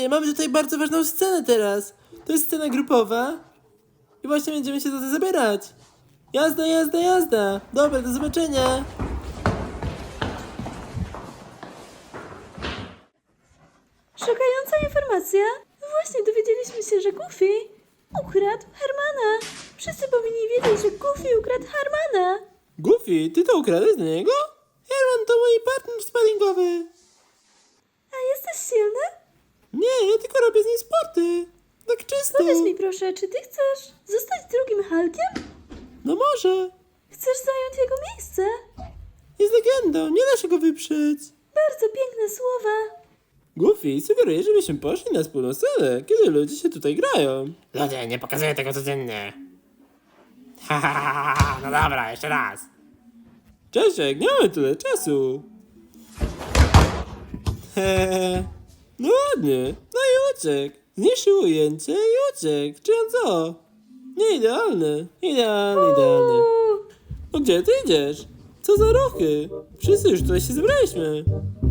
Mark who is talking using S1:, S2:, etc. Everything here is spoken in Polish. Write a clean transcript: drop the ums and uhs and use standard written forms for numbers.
S1: Mamy tutaj bardzo ważną scenę teraz. To jest scena grupowa. I właśnie będziemy się za to zabierać. Jazda, jazda, jazda. Dobra, do zobaczenia.
S2: Szokająca informacja. Właśnie dowiedzieliśmy się, że Goofy ukradł Hermana. Wszyscy powinni wiedzieć, że Goofy ukradł Hermana.
S1: Goofy, ty to ukradłeś do niego? Herman to mój partner sparingowy.
S2: A jesteś silny?
S1: Nie, ja tylko robię z nim sporty. Tak czysto.
S2: Powiedz mi proszę, czy ty chcesz zostać drugim Hulkiem?
S1: No może.
S2: Chcesz zająć jego miejsce?
S1: Jest legendą, nie da się go wyprzeć.
S2: Bardzo piękne słowa.
S1: Goofy sugeruje, żebyśmy poszli na wspólną scenę, kiedy ludzie się tutaj grają.
S3: Ludzie, nie pokazuję tego codziennie. Ha, ha, ha, ha, no dobra, jeszcze raz.
S1: Czesiek, nie mamy tyle czasu. Hehe. No ładnie. No i uciekł. Zniszczył ujęcie i uciekł. Czy on co? Nie idealny. Idealny, idealny. No gdzie ty idziesz? Co za ruchy? Wszyscy już tutaj się zebraliśmy.